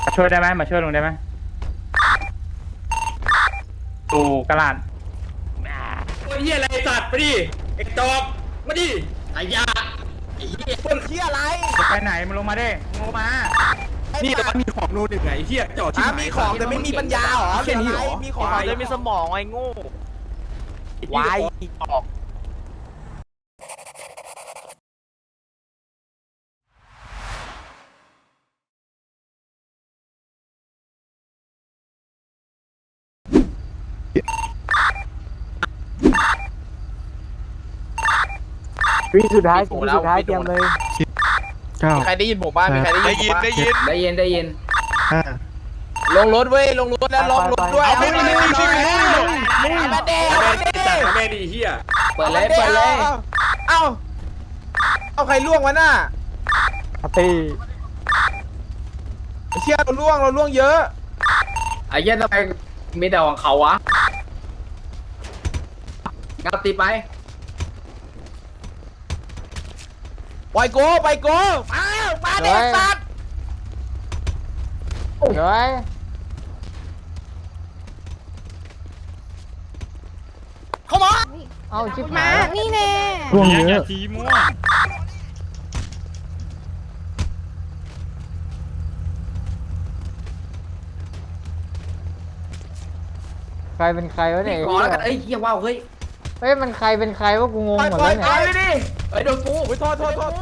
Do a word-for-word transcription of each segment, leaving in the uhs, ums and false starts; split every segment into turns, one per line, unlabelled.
มาช่วยได้ไหมมาช่วยลุงได้ไหมตูกระลาด
โอ้ยเฮียอะไรสัตว์ไปดิไอ้จอกมาดิไอ้ยาไอ้เฮียคนเฮียอะไร
จะไปไหนมึงลงมาดิมึงลงมา
นี่แต่ว่ามีของโน่นหนึ่งไงเฮียจอดที่มีของแต่ไม่มีปัญญาเหรอแค่นี้เหรอมีของแต่มีสมองไอ้โง่วายออก
วิสุดท้ายวิสุดท้ายเตรียมเลย
เก้า
ใครได้ยินผมบ้างมีใครได้ยินได้ยิน
ได้ยินได้ยิน
ห้า
ลงรถเว้ยลงรถแล้วลงรถด้วย
ไม่ไม่ไม่ไม่ไม่ไม่
มาเด้แม่ดีเฮีย
เปิดเลยเปิดเลย
เอ้าเอาใครล่วงวะน่ะ
ตี
เชี่ยเราล่วงเราล่วงเยอะ
ไอ้เหี้ยทำไมมีแต่ของเขาวะงับตีไป
ปล่อยโกปล่อยโกอ้าวมาเด็กสัตว์
เฮ้ยเข้ามาเอาชิบหาย
นี่แน่
ร่วงเยอะ
ทีมั่ว
ใครเป็นใครวะเนี่ย
ขอแล้วกันเอ้ยเฮียว้าวเฮ้ย
เฮ้ยมันใครเป็นใครวะกูงง
ปล่อย
หมด
ปล่อ
แล้
ยว ปล่
เนี่
อย
ย
ไปดิเฮ้ยโดนกูโทษโทษโทษ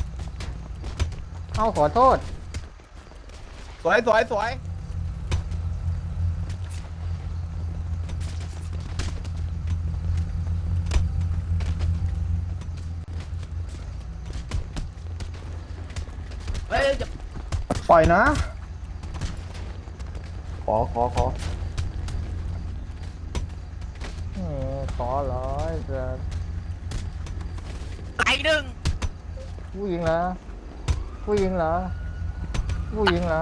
เอาขอโทษ
สวยสวยสวยเฮ้ย
ปล่อยนะ ขอขอขอ
เออขอร้อยจะ
ไอ้หนึ่ง
ผู้หญิงเหรอผู้หญิงเหรอผู้หญิงเหรอ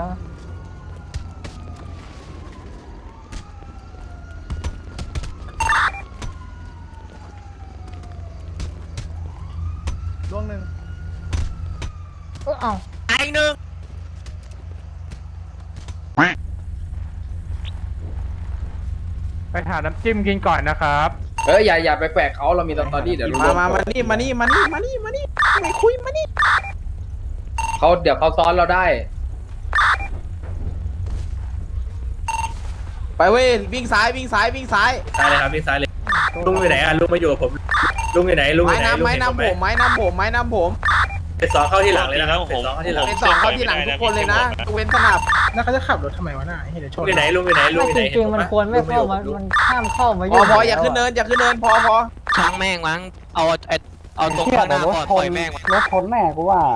ร่วงหนึ่ง
เออเอา
ไอ้หนึ่ง
ไปหาน้ำจิ้มกินก่อนนะครับ
เฮ้ยอย่าอย่าไปแกวกเขาเรามีตอนตอนนี้เดี๋ยวรู้
มามามานี่มานี่มานี่มานี่มานี่ไม่คุยมานี่
เขาเดี๋ยวเขาซ้อนเราได้
ไปเว้ยวิ่งซ้ายวิ่งซ้ายวิ่งซ้าย
ซ้ายเลยครับพี่ซ้ายเลยลุงอยู่ไหนอ่ะลุงมาอยู่กับผมลุงอยู่ไหนลุงอ
ไม้
ยู่ไหน
น้ำไม้น้ำผมไม้น้ำผมไม้น้ำผม
เป็นสองเข้าที่หลังเลยนะครับเป็นสองเข้าที่หลัง
เป็นสองเข้าที่หลังทุกคนเลยนะเว้นสนับ
แล้วเขาจะขับรถทำไมวะน่าเดี๋ยวช
ลุง
น
อยู่ไหนลุงอยู่ไหนลุง
ไม่
อยู่ไหน
จริงๆมันควรไม่เข้ามามันห้ามเข้ามา
พ
ยุ่
อง พออย่าขึ้นเนินอย่าขึ้นเนินพอพอ
ช่างแม่งมั้ง เอาไอเอาตรงข้างหน้าก่อนปล่อยแม่งมั้ง
รถชนแม่กูว่า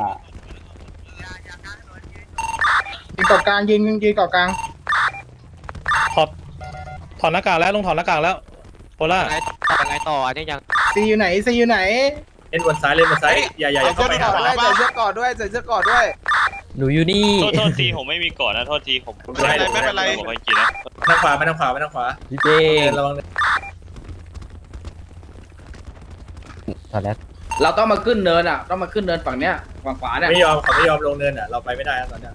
ยืนเกาะกลางยืนยืนเกาะกลาง
ถอดถอดหน้ากากแล้วลุงถอดหน้ากากแล้วโพล่า
ไงยังไงต่ออันนี้ยัง
ซีอยู่ไหนซีอยู่ไหน
เล่นบนซ้ายเล่นบนซ้ายอย่าอย่าอย่า
ใส่
เข้า
เสื้อ
ไป
ก่
หา
อนด้วยใส่เสื้อก่อนด้วยใส่เสื้อก่อนด้วย
หนูอยู่นี่
โทษโทษทีผมไม่มีก่อนนะโทษทีผม
ไม่เป็นไรไม่เป็นไร
ผมไม่กินนะ
ทางขวาไม่ทางขวาไม่ทางขวา
พี่เจ
ระวัง
ถอดแล้ว
เราต้องมาขึ้นเนินอ่ะต้องมาขึ้นเนินฝั่งเนี้ยฝั่งขวาเนี่ย
ไม่ยอมเขาไม่ยอมลงเนินอ่ะเราไปไม่ได้ตอนนี้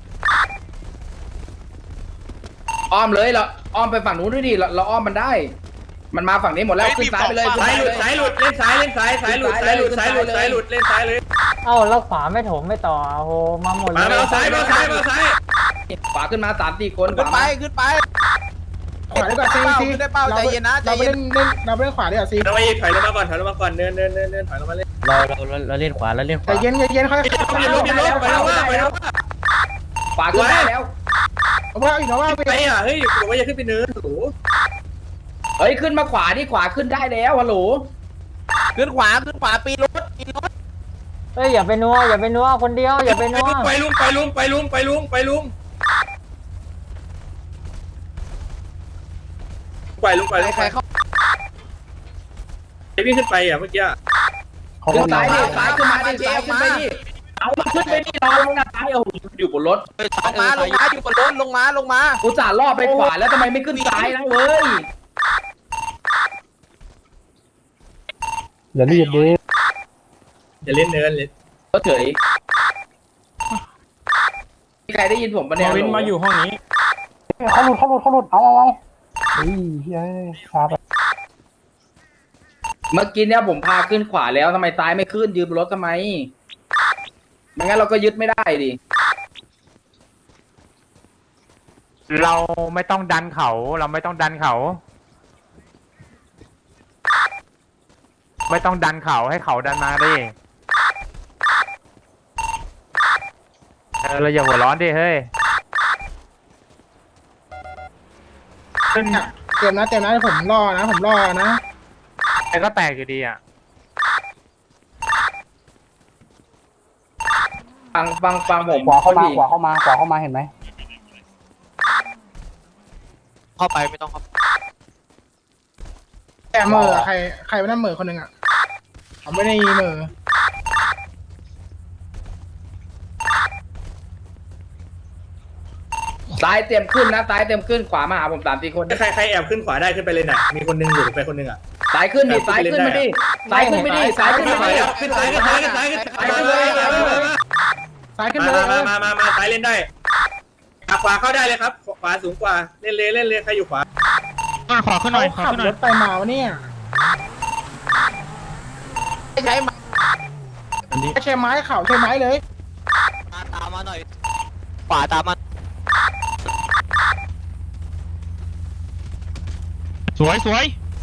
อ้อมเลยเราอ้อมไปฝั่งนู้นด้วยดิเราเราอ้อมมันได้ มันมาฝั่งนี้หมดแล้วขึ้นซ้ายไปเลยขึ้น
ซ้าย
ซ้าย
ห
ไป
ลุด
เลย
ซ้ายหลุดเล่นซ้ายเล่นซ้ายซ้ายหลุดซ้ายหลุดซ้ายหลุดซ้ายหลุดเล่นซ้ายเลย
เอ้าแล้วขวาไม่ถมไม่ต่อโอ้โหมาหมดเล
มาย มาซ้ายมาซ้ายมาซ้าย
ขวาขึ้นมาสามสี่คน
ขึ้นไปขึ้นไป
ขวาดีกว่าซีซี
ขึ้นได้เป้าใจเย็นนะใจ
เราไป
เย็น
เล่นเล่นเราไปเล่นขวาดีกว่าซี
ถอยลงมาอีกถอยลงมาก่อนถอยลงมาก่อนเนินเนินเนินเนินถอยลงมาเล่น
เราเราเราเราเล่นขวาเราเล่นข
แต่
วา
เย็นเย็นค่อย
ไปลงไปลงไปลงว่าไปลงว่า
ขวาขึ้นได้แล้ว
เอาว่าอีกนะว่าไป
ไปอ่ะเฮ้ยบอกว่าอย่าขึ้นไปเนินโอ้โห
เฮ้ยขึ้นมาขวาที่ขวาขึ้นได้แล้วฮัลโหล
ขึ้นขวาขึ้นขวาปีนรถปีนรถ
เฮ้ยอย่าไปนัวอย่าไปนัวคนเดียวอย่าไปนัว
ไปลุงไปลุงไปลุงไปลุงไปลุงไปลุงไปลุง
ใครเข้า
ไอวิ่งขึ้นไปอ่ะเมื่อกี้
ขึ้นซ้ายดิซ้ายขึ้นมาดิซ้ายขึ้นไปดิเอามันขึ้นไปดิรอลงนะซ้ายโอ้โหอยู่บนรถ
ลงมาลงมาอยู่บนรถลงมาลงมา
กูจ่าล่อไปขวาแล้วทำไมไม่ขึ้นซ้ายนะเว้ย
อย่ารีบดิ
อย่าเล่นเนินเลย
ก็เฉยใครได้ยินผมปะเนี่ย
วินมาอยู่ห้องนี้
เขาหลุดเขาหลุดเขาหลุดเอาเอาเอาเฮ้ยเฮ้ยช้าไป
เมื่อกี้เนี่ยผมพาขึ้นขวาแล้วทำไมซ้ายไม่ขึ้นยืนบนรถทำไมไม่งั้นเราก็ยึดไม่ได้ดิ
เราไม่ต้องดันเขา เราไม่ต้องดันเขา ไม่ต้องดันเขาให้เขาดันมาดิเออเราอย่าหัวร้อนดิเฮ้ย
เนี่ยเต็มนะเต็มนะผมรอนะผมรอนะ
ไอ้ก็แตกอยู่ดีอ่ะ
ฟังฟังฟังผม
ขวาเข้ามา
พี่
ขวาเข้ามาขวาเข้ามาเห็นไหม
เข้าไปไม่ต้องเข้า
แต่เหม่อใครใครไม่นั่นเหม่อคนหนึ่งอ่ะเขาไม่ได้เหม่อ
ซ้ายเตรียมขึ้นนะซ้ายเตรียมขึ้นขวามาหาผมสามสี่คน
ใครใครแอบขึ้นขวาได้ขึ้นไปเลยน่ะมีคนนึงอยู่ไปคนนึงอ่ะ
ซ้ายขึ้นดิซ้ายขึ้นมาดิซ้ายขึ้นไปดิซ้ายขึ้นมาดิ
ขึ้นซ้ายขึ้นซ้ายขึ้นซ้ายขึ้นซ้ายขึ้นเลย
ซ้ายขึ้นเลย
มามามามาซ้ายเล่นได้ขวาเข้าได้เลยครับขวาสูงกว่าเล่นเลยเล่นเลยใครอยู่ขวา
ขอขึ้นหน่อยขอ
ขับ
ขึ้นหน่
ร
อย
ถไปมาวะเนี่ย
ใช้ไม้
ไม่ใช่ไม้เข่าใช่ไม้เลย
มาตามมาหน่อยขวาตามมา
สวยสวย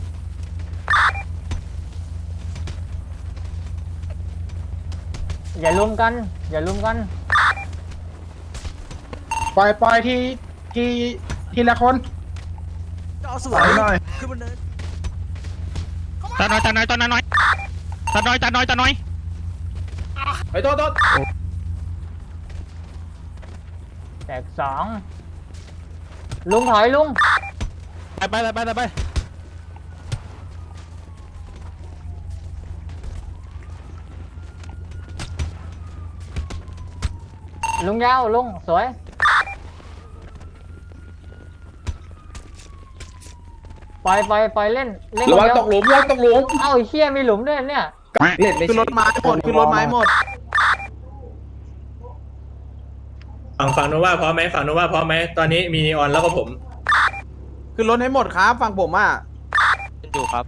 อย่าลุมกัน อย่าลุมกัน
ปล่อยปล่อยทีทีทีละคน
สวยหน่อย
ตาน้อยตาน้อยตาน้อยตาน้อยตาน้อยตาน้อย
ไปโทษโทษ
แตกสองลุงถอยลุง
ไปไปไปไปไป
ลุงยาวลุงสวยปล่อยปล่อยปล่อยเล่นเล่น
ระวัง
คนเดียว
ตกหลุมระวังตกหลุม
เอ้าไอ้เชี่ยมีหลุมด้วยเนี่ย
เล่นไม่
ขึ้นรถไม้หมดขึ้นรถไม้หมด
ฝั่งฝั่งโนว่าพร้อมไหมฝั่งโนว่าพร้อมไหมตอนนี้มีนีออนแล้วก็ผม
ขึ้นรถให้หมดครับฝั่งผมอ่ะ
อยู่ครับ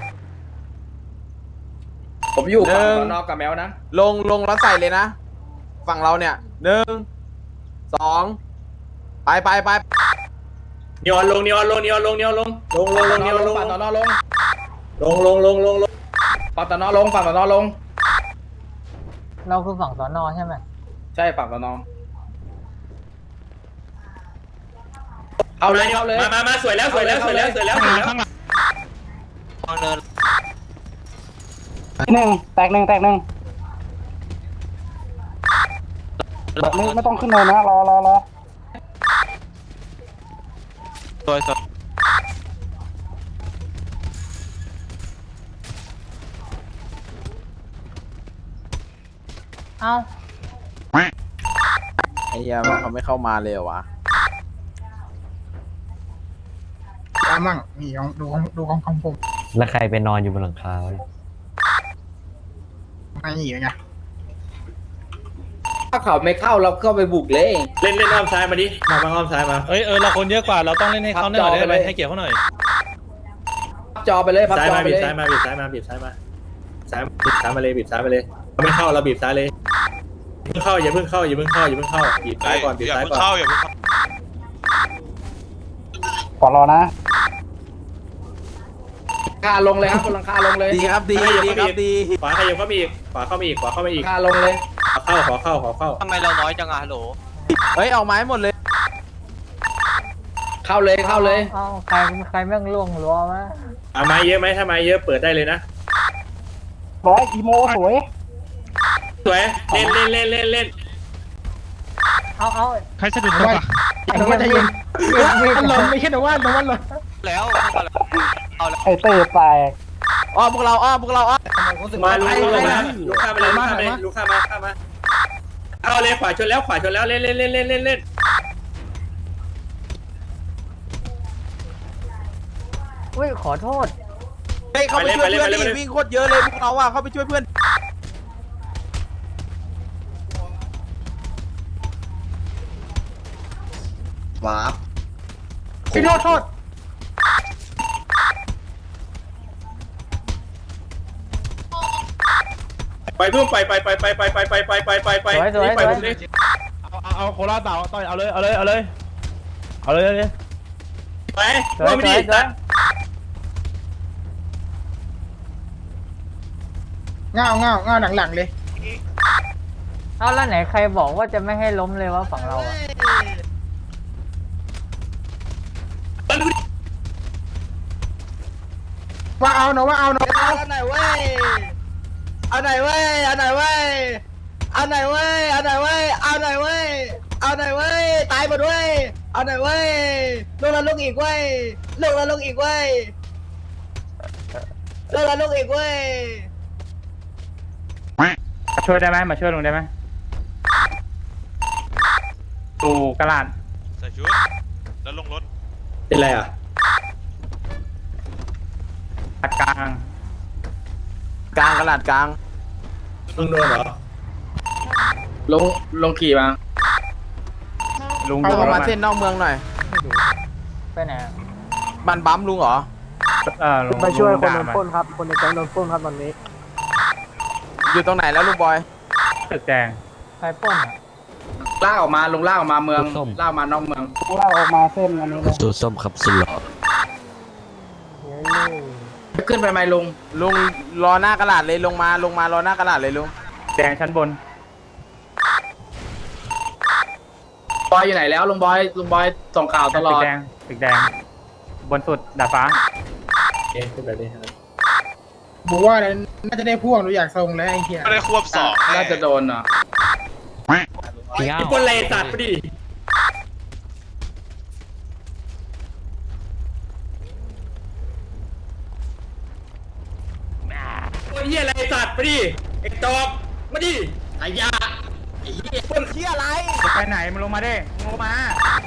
ผมอยู่ฝั่ง
หนึ่ง
สอนอกับแมวนะ
ลงลงแล้วใส่เลยนะ ฝั่งเราเนี่ยหนึ่งสองไปไปไป
นีออนลงนีออนลงนีออนลงนีออนลงลงลงลงนีออนลง
ฝั่งสอนอลง
ลงลงลงลงลง
ฝั่งสอนอลงฝั่งสอนอลง
เราคือฝั่งสอนอใช่ไหม
ใช่ฝั่งสอนอเอาเลยเอาเลย
มามามาสวยแล้วสวยแล้วสวยแล้วสวยแล้วสวยแล้ว
วางเนิน
หนึ่งแตกหนึ่งแตกหนึ่งไม่ไม่ต้องขึ้นเลยนะรอรอรอ
สวยสวย
เอา
ไอ้เหี้ยมันเขาไม่เข้ามาเลยเหรอวะ
ตามมั่งนี่ของดูของดูของของผม
แล้วใครไปนอนอยู่บนหลังคาวะเนี่ย
ไม่หนีไง
ถ้าเขาไม่เข้าเราเข้าไปบุกเลย
เล่นเล่นอ้อมซ้ายมาดิมามาอ้อมซ้ายมาเอ้ยเออเราคนเยอะกว่าเราต้องเล่นให้เขาหน่อยได้ไหมให้เกียรติเขาหน่อย
พับจอไปเลยพับ
ซ้าย
จอ
มา
ไป
บีบ
เลย
ซ้ายมาบีบซ้ายมาบีบซ้ายมาซ้ายบีบซ้ายมาเลยบีบซ้ายมาเลยเขาไม่เข้าเราบีบซ้ายเลยเพิ่งเข้าอย่าเพิ่งเข้าอย่าเพิ่งเข้าอย่าเพิ่งเข้าบีบซ้ายก่อนบีบซ้ายก่อน
ขอรอนะ
คาลงเลยครับคนลังคาลงเลย
ดีครับดีดีครับดี
ขวาขยับเข้ามาอีกขวาเข้ามาอีกขวาเข้ามาอีก
คาลงเลย
ขอเข้าขอเข้าขอเข้า
ทำไมเราน้อยจังอะฮัลโหล
เฮ้ยเอาไม้หมดเลย
เข้าเลยเข้าเลย
เอาใครใครแม่งล่วงรัววะ
เอาไม้เยอะไหมถ้าไม้เยอะเปิดได้เลยนะ
ร้อยอีโมสวย
สวยเล่นเล่นเล่นเล่นเล่น
เอาเอา
ใครสะดุดตัวปะ
ไอ้นวัดใจเย็นอันลมไม่ใช่นวัดนวัดเลย
แล้วเอาแล้ว
ไอ้เต้แตก
อ้อมพวกเราอ้อมพวกเราอ้อม
มาลุกลุกมาลุกข้ามไปเลยลุกข้ามไปเลยลุกข้ามมาข้ามมาเอาเลยขวาชนแล้วขวาชนแล้วเล่นเล่นเล่นเล่นเล่นเล่น
อุ้ยขอโทษ
เฮ้ยเข้าไปช่วยเพื่อนดิวิ่งโคตรเยอะเลยพวกเราอ่ะเข้าไปช่วยเพื่อน
เ
ว้า
พี่โทษโทษ
ไปเพิ่มไปไปไปไปไปไปไปไปไปไปไป
สวยสวย
ไป
สว
ผ
ย
มดิ
เอาเอาเอาโคราชเต่าต่อยเอาเลยเอาเลยเอาเลยเอาเลยเอาเลย
ไป
สวย
ว่าไม่
ส
ดี
วยสวย
เงาเงาเงาหลังๆเลย
เอาแล้วไหนใครบอกว่าจะไม่ให้ล้มเลยว่าฝั่งเราอะ
ว่าเอาเนาะว่าเอาเนาะ
เอาไหนเว้ยเอาไหนเว้ยเอาไหนเว้ยเอาไหนเว้ยเอาไหนเว้ยเอาไหนเว้ยเอาไหนเว้ยตายหมดเว้ยเอาไหนเว้ยลงแล้วลงอีกเว้ยลงแล้วลงอีกเว้ยลงแล้วลงอีกเว้ย
มาช่วยได้ไหมมาช่วยลุงได้ไหมตูกระลาด
ใส่ชุด แล้วลงรถ
เป็นไรอ่ะ
อัดกลาง
กลางกระดาษกลาง
ลุงโดนเหรอ
ลงลงขี่มา
ลุง
เอา
ดู
ออก
รถ
มา
มัน
เส้นนอกเมืองหน่อย
ไปไหนอะ
บันบัมลุงเหรอ
เออลุง
ไปช่วยคนโด
ลุง
น
ด่า
ปล้นครับ คนในแก๊งโดนปล้นครับตอนนี้
อยู่ตรงไหนแล้วลุงบอย
ตึกแดง
ใครปล้นอะ
ลากออกมาลงลากออกมาเมืองลากมานอกเมือง
ลากออกมาเส้นอันนี้เลย
สูตรส้มครับสุดหล่อ
เฮ้ย
ขึ้นไปไหมลุง
ลุงรอหน้ากระดาษเลยลงมาลงมารอหน้ากระดาษเลยลุง
แดงชั้นบน
บอยอยู่ไหนแล้วลุงบอยลุงบอยส่งข่าวตลอ
ตึ
ด
กแดงตึกแดง บนสุดดาดฟ้า
เอ๊ะขึ้นไปดิครับ
บอกว่าน่าจะได้พ่วงดูอยากทรงแล้วไอ้เหี้ย
ไม่ได้ควบสอง
น่าจะโดนเหรอ
พี่เก้า
ไอ้คนเลสัตว์ไปดิคนเหี้ยอะไรสัตว์ไปดิไอ้จอบมาดิไอ้ยาไอ้เหี้ย
คนเชี่ยอะไร
จะไปไหนมึงลงมาดิมึงลงมา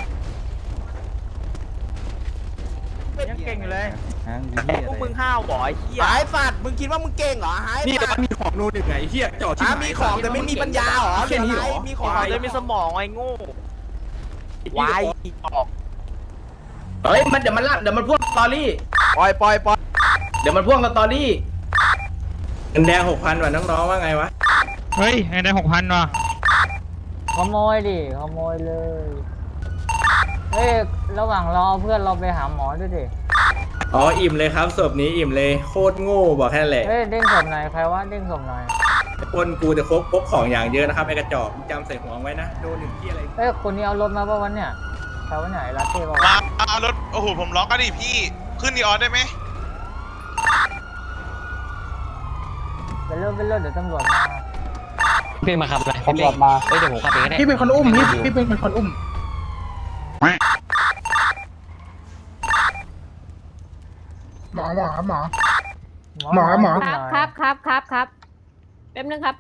ยังเก่งอยู่เลย
พวกมึงห้าวบ่อยเหี้ยหายสัตว์มึงคิดว่ามึงเก่งเหรอหาย
นี่แต่
สัต
ว่า
ว์
มีของนูนอีกไงไอ้เหี้ยจอดที่
อ่ะ
ไหน
มีของแต่ไม่มีปัญญาเหรอ
แค่นี้เหรอ
มีของแต่ไม่มีสมองไอ้โง่วายออก
เฮ้ยมันเดี๋ยวมันลากเดี๋ยวมันพ่วงสตอรี่
ปล่อยปล่อยปล่อย
เดี๋ยวมันพ่วงสตอรี่
เงินแดงหกพันว่ะน้องๆว่าไงวะ
เฮ้ยไงได้หกพันว่ะ
ขโมยดิขโมยเลยเฮ้ยระหว่างรอเพื่อนเราไปหาหมอด้วยดิ
อ๋ออิ่มเลยครับศพนี้อิ่มเลยโคตรโง่บอกแค่นั้นแหละ
เฮ้ยเด้งศพหน่อยใครว่าเด้งศพหน่อย
คนกูจะพกพกของอย่างเยอะนะครับไอ้กระจอกมึงจำใส่หัวไว้นะโดนหนึ่งที่อะไร
เฮ้ยคนนี้เอารถมาป่ะวันเนี่ยใครวะเนี่ยไอ้ลาเต้ป่ะ
มาว
ะ
เอารถ โอ้โห ผมล็อกก็ดิพี่ ขึ้นดีออสได้ไหม
เป็นเรื่องเป็นเรื่องเดี๋ยวตำรวจมา
พี่มาขับเลย
ตำรวจมา
เอ้ยเดี๋ยวผมขับเองก็ได้
พี่เป็นคนอุ้มพี่พี่เป็นคนอุ้มหมอหมอครับหมอ หมอหมอ
หน่อย
ครับครับครับครับแป๊บนึงครับ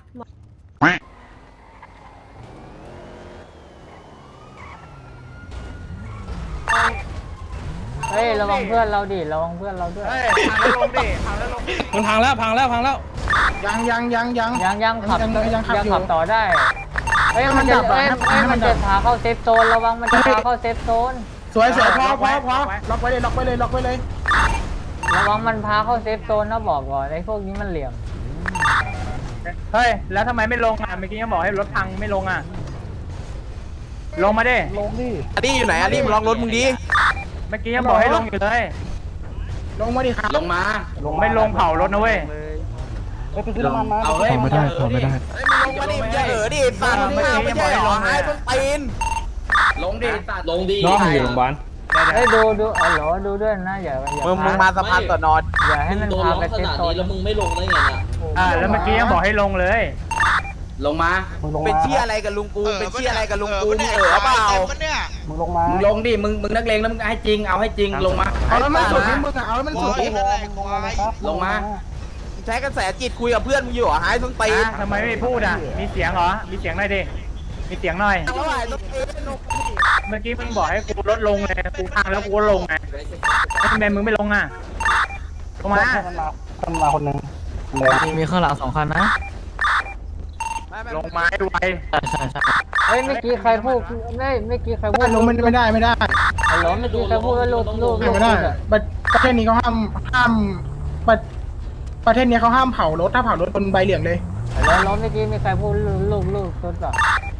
เฮ้ยระวังเพื่อนเราดิระวังเพื่อนเราด้วย
เฮ้ยพังแล้วลงดิพังแล้วลงดิมันพังแล้วพังแล้วพังแล้ว
ยังยังยังยัง
ยังยังขับ
ยังยังขับ
ยัง
อยู่
ขับต่อได้เฮ้ย
ให้มั
มัน
น
จะ
ดับอะ
เอ้ย
ให้
เอ้ย
มั
มัน
นดั
จะ
บ
พาเข้าเซฟโซนระวังมันจะพาเข้าเซฟโซน
สวยสวยพอพอพอล็อกไว้เลยล็อกไว้เลยล็อกไว้เลย
ระวังมันพาเข้าเซฟโซนนะบอกก่อนไอ้พวกนี้มันเหลี่ยม
เฮ้ยแล้วทำไมไม่ลงอ่ะเมื่อกี้ยังบอกให้รถพังไม่ลงอ่ะลงมาดิ
ลงดิ
อันนี้อยู่ไหนอันนี้มึงลองรถมึงดิ
เมื่อกี้ยังบอกให้ลงอยู่เลย
ลงมาดิครับ
ลงมา
ไม่ลงเผารถนะเว้ย
ไปไปซื้อน้ำมันมา
เอาเฮ้ยไม่ได้ไม่ได้
เฮ้ยมึงลงมาดิมึงอย่าเออดิสัตว์มึงห้าวไม่ใช่เหรอหายต้นตีน
ลงดิตัดลงดิ
น้องอยู่โรงพยาบาล
เฮ้ยดูดูอ๋อเหรอดูด้วยนะอย่าอย่า
มึงมึง
พ
มาสะพานต่อนอน
อย่าให้มันพาไปเซฟโซน
แล้วมึงไม่ลงได้ไงน่ะ
อ่าแล้วเมื่อกี้ยังบอกให้ลงเลย
ลงมา
มึงลง
เป็น
มา
เชี่ยอะไรกับลุงกูเป็นเชี่ยอะไรกับลุงกูมึงเออเปล่า
มึงลงมา
มึงลงดิมึงมึงนักเลงแล้วมึงให้จริงเอาให้จริงลงมา
เอาแล้วมันสุดที่มึงอะเอาแล้วมันสุดที่
ลงมา
ใช้กระแสจิตคุยกับเพื่อนมึงอยู่เหรอหายต้นตีน
อ่ะทำไมไม่พูดอ่ะมีเสียงเหรอมีเสียงหน่อยดิมีเสียงหน่อย
แล้วหายต้นตีน
เมื่อกี้มึงบอกให้กูลดลงเลยกูพังแล้วกูก็ลงไงแล้วทำไมมึงไม่ลงอ่ะลงมา
มันมาคนมาคนหนึ่งเลย
มีข้างหลังสองคันนะ
ไม่
ลงไม้ไว
เฮ้ยเมื่อกี้ใครพูดไม่เมื่อกี้ใครพูด
ลงไม่ไม่ได้ไม่ได้
ฮัลโหลเมื่อกี้ใครพูดว่าลูกลูกลูก
ไม่ได้ประประเทศนี้เขาห้ามห้ามประประเทศนี้เขาห้ามเผารถถ้าเผารถบนใบเหลืองเลย
ฮัลโหลฮัลโหลเมื่อกี้มีใครพูดลูกลูกลูกตุ๊ดเหรอ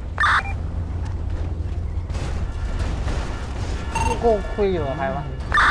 นี่กูคุยอยู่กับใครวะ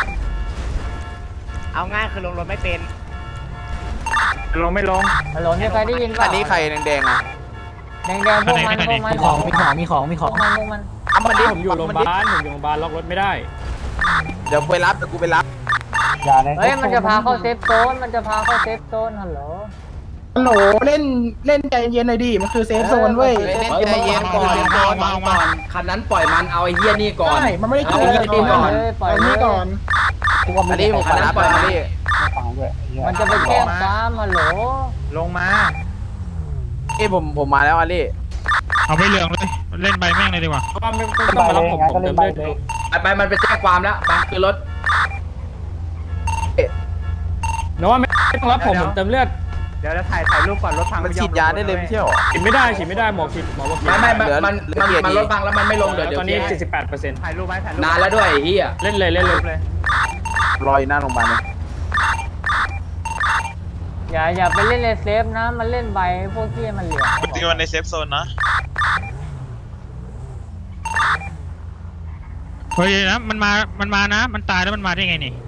เอาง่ายคือลงรถไม่เป็น
ลงไม่ลง
ฮัลโหลมีใครได้ยินป่ะ
อันนี้ใครแดงๆอ่ะ
แดงแดงพวกมันพวกมันของมีของมีของมีของพวกมันพวกมัน
เอามันดิ
ผมอยู่โรงพยาบาล ผมอยู่โรงพยาบาลล็อกรถไม่ได้
เดี๋ยวไปรับเดี๋ยวกูไปรับ
อย่าเลย
เฮ้ยมันจะพาเข้าเซฟโซนมันจะพาเข้าเซฟโซนฮัลโหล
ฮัลโหลเล่นเล่นใจเย็นหน่อยดิมันคือเซฟโซนเว้ย
เล่นใจเย็นก่อนก่อนก่อนคันนั้นปล่อยมันเอาไอ้เหี้ยนี่ก่อน
ใช่มันไม่ได้เกี่ยว
เอา
กับ
ไอ้
ตัว
เหี้ย
นั้น
นี่
ปล่อย
อัน
เล
นี้
ย
ก่อน
อันนี้ผมคันนั้นปล่อยมันดิ
ไม่ฟังด้วย
มันจะไปแจ้งความฮัลโหล
ลงมา
เอ้ผมผมมาแล้วอาลี่
เอาไปเหลืองเลยเล่นใบแม่งเลยดีกว่า
ก็ไม่ต้องมารับผมผมเติมเลือดเลย
ไปไปมันไปแจ้งความแล้วไปคือรถ
นะว่าไม่ต้องรับผมผมเติมเลือด
เดี๋ยวจะถ่ายถ่ายรูปก่อนรถพัง
มันฉีดยาได้เลยไม่ใช่หรอ
ฉีดไม่ได้ฉีดไม่ได้หมอฉีดหมอบอก
ไม่ไม่มันมันมันรถพังแล้วมันไม่ลงเดี๋ยวเดี๋ยว
ตอนนี้เจ็ดสิบแปดเปอร์เซ็นต์
ถ่ายรูปไว้ถ่ายรูป
นานแล้วด้วยไอ้เหี้ย
เล่นเลยเล่นเลย
เลย
รออยู่หน้าโรงพยาบาลเลย
อย่าอย่าไปเล่นในเซฟนะมันเล่นใบพวกที่มันเหลือง
ตีวันในเซฟโซนนะเฮ้ยนะมันมามันมานะมันตายแล้วมันมาได้ไงนี่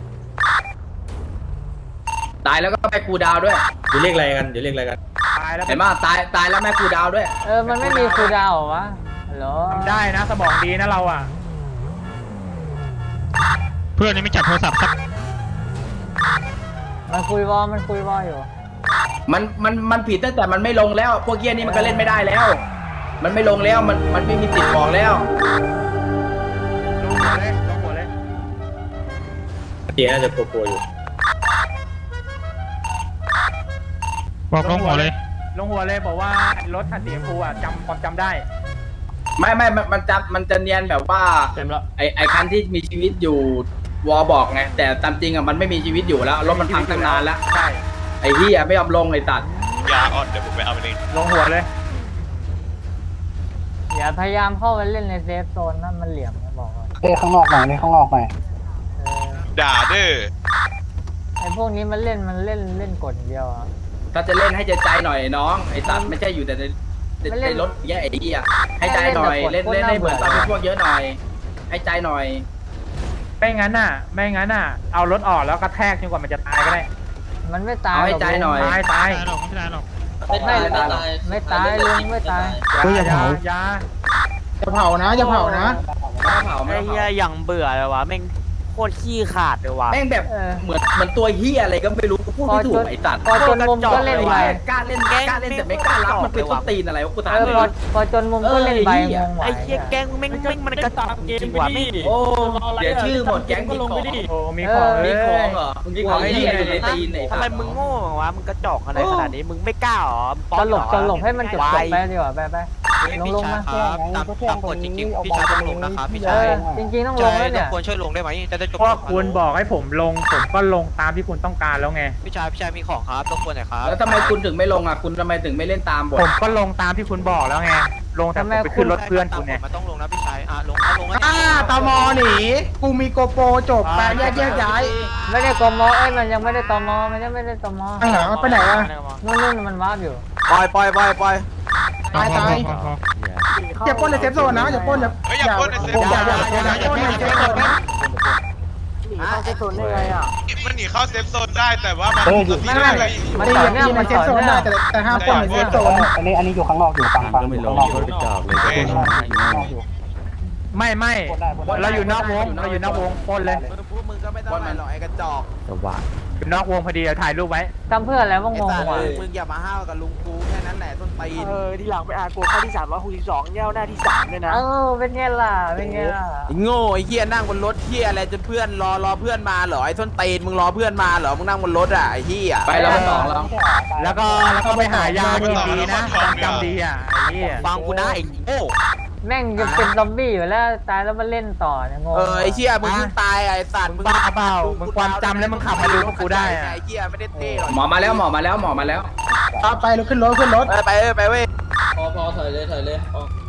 ตายแล้วก็แม่กูดาวด้วย
อยู่เรียกอะไรกันอยู่เรียกอะไรกัน
ตายแล้ว
เห็นป่ะตายตายแล้วแม่กูดาวด้วย
เออมันไม่มีคูลดาวน์เหรอวะฮัลโหล
ทำได้นะสมองดีนะเราอ่ะ
เพื่อนนี่ไม่จับโทรศัพท์สัก
มันคุยวอลมันคุยวอลอยู่
มันมันมันผิดตั้งแต่มันไม่ลงแล้ว พวกเหี้ยนี่มันก็เล่นไม่ได้แล้ว มันไม่ลงแล้วมันมันไม่มีติดบอกแล้ว
ลงหัวเลยลงหัวเลย
เจีน่าจะกลัวๆอยู่
บอกลงหัวเลย
ลงหัวเลยบอกว่ารถคันสีชมพูอ่ะจำความจำได้
ไม่ไม่มันมันจะมันจะเนียนแบบว่า
เต็มแล้ว
ไอไอคันที่มีชีวิตอยู่วอบอกไงแต่ตามจริงอ่ะมันไม่มีชีวิตอยู่แล้วรถมันพังตั้งนานแล้ว
ใช่
ไอ้เหี้ยไม่ยอมลงไอ้ตัด
ยาอ่อนเดี๋ยวผมไปเอาไปเอง
ลงหัวเลย
อย่าพยายามเข้าไปเล่นในเซฟโซนนะมันเหลี่ยมนะบอกว่า
เอ้ข้างนอกหน่อยเลยข้างนอกหน่อย
เออ
ด่าเด้อ
ไอพวกนี้มันเล่นมันเล่นเล่นกดอย่างเดียวอะ
ถ้าจะเล่นให้ใจใจหน่อยน้องไอ้ตัดไม่ใช่อยู่แต่ในในในรถแย่ไอ้เหี้ยให้ใจหน่อยเล่นเล่นให้เหมือนตอนเป็นพวกเยอะหน่อย ให้ใจหน่อย
ไม่งั้นน่ะ ไม่งั้นน่ะ เอารถออกแล้วกระแทกจนกว่ามันจะตายก็ได้
มันไม่ตาย
เอาให้ใจหน่อย
ตายตาย
ไม่หรอกไม่ได้หรอก
ไม่ตายไม่ตาย
ไม่ตายลุงไม่ตาย
ยาอยาอยา
จะเผานะจะเผานะ
ไม่เผาไม่
ไอ้
เผา
เหี้ยอย่างเบื่อเลยวะแม่งโคตรขี้ขาดเลยวะ
แม่งแบบ
เออ
เหมือนเหมือนตัวเหี้ยอะไรก็ไม่รู้กูพูดไม่ถูกไอ้ตัด
พอจนมุมก็เล่นใบ
กล้าเล่นกล้าเล่นแต่ไม่กล้ารับมันเป็นต้นตีนอะไรวะกูถาม
เออ
เล
พอย พอจนมุมก็เล่นใบงงไหว
ไอ้เหี้ยแกงแม่งแม่งมันกระจอกจริงว่ะแม่ง
โอ้เดี๋ยวชื่อหมดแก๊งมีของ
โอ้มีของ
มี
เลย
ของเหรอมึงมีของไอ้เหี้ยอยู่ในตีนไอ้
ทำไมมึงโง่วะมึงกระจอกอะไรขนาดนี้มึงไม่กล้าหรอ
ตลกตลกให้มันจบจบไปดีกว่าไปไปลงลงมา
ตามตามกฎจริงๆพี่ชายต้องลงนะครับพี่
เออจริงๆต้องลงแล้วเนี่ย
ควรช่วยลงได้ไหมจะได้จบ
เพราะคุณบอกให้ผมลง ผมก็ลงตามที่คุณต้องการแล้วไง
พี่ชายพี่ชายมีของครับต้องควรหน่อยครับ
แล้วทำไมคุณถึงไม่ลงอ่ะคุณทำไมถึงไม่เล่นตามบท
ผมก็ลงตามที่คุณบอกแล้วไง ลงแต่ผมไปขึ้นรถเพื่อนคุณเนี่ย
มันต้องลงนะพี่ชายอ่ะลงลง
อ่าตมหนีกูมีโกโปรจบไปแยกแยกย้าย
ไม่ได้ตมเอ้ยมันยังไม่ได้ตมมันยังไม่ได้ตม
ข้างหลังมันไปไหนอะ
นู่นนู่นมันวาร์ปอยู่
ปล่อยปล่อยปล่อยปล่อย
ตายตายอย่าปล้นในเซฟโซนนะอย่าปล้นอย่า
เฮ้ยอย่าพ่นในเซฟ
อย่าอย่าอย่าอย่าปล้นในเซฟโซนนะ
เข้าเซฟโซนได้ไงอ่ะ
มันหนีเข้าเซฟโซนได้แต่ว่ามัน
ไม่ไม่ มัน
ตี
ต่อ
อย่า
เนื่อง
ตีใน
มัน
เซ
ต่
ฟ
อ
โซน
เนื่
ได้
อง
แต่แต่ห้ามปล้นในเซฟโซน
อันนี้อันนี้อยู่ข้างนอกอยู่ฟังฟังอยู่ข้างนอกอยู่
ไม่ไม่เราอยู่นอกวง เราอยู่นอกวงปล้นเลย
มึงก็ไม่ต้องมาหรอกไอ้กระจอก
อยู่นอกวงพอดีเอาถ่ายรูปไว้
ทำเพื่ออะไรว่างงว่ะ
มึงอย่ามาห้าวกับลุงกูแค่นั้นแหละต้นตีน
เออที่หลังไปอ่านกูเข้าที่สามร้อยหกสิบสองเย้าหน้าที่สามเลยนะ
เออเป็นไงล่ะเป็นไงล่ะ
โง่ไอ้เหี้ยนั่งบนรถเหี้ยอะไรจนเพื่อนรอรอเพื่อนมาเหรอไอ้ต้นตีนมึงรอเพื่อนมาเหรอมึงนั่งบนรถอ่ะไอ้เหี้ยไปแล้วสองแล้ว
แล้วก็แล้วก็ไปหายากินดีนะจำจำดีอ่ะไอ้เหี้ย
ฟังกูนะไอ้โง่
แม่งจะเป็นซอมบี้อยู่แล้วตายแล้วมาเล่นต่อเนี่ยงง
เออไอ้เหี้ยมึงเพิ่งตายไอ้สัตว์
มึงบ้าเปล่ามึงความจำแล้วมึงขับมาดูพวกกูได้อะ
ไอ้เหี้ยไม่ได้เท่หรอกหมอมาแล้วหมอมาแล้วหมอมาแล้ว
เอาไปรถขึ้นรถขึ้นรถ
ไปไปไปเว้ย
โอ้
พอพอถอยเลยถอยเลยออก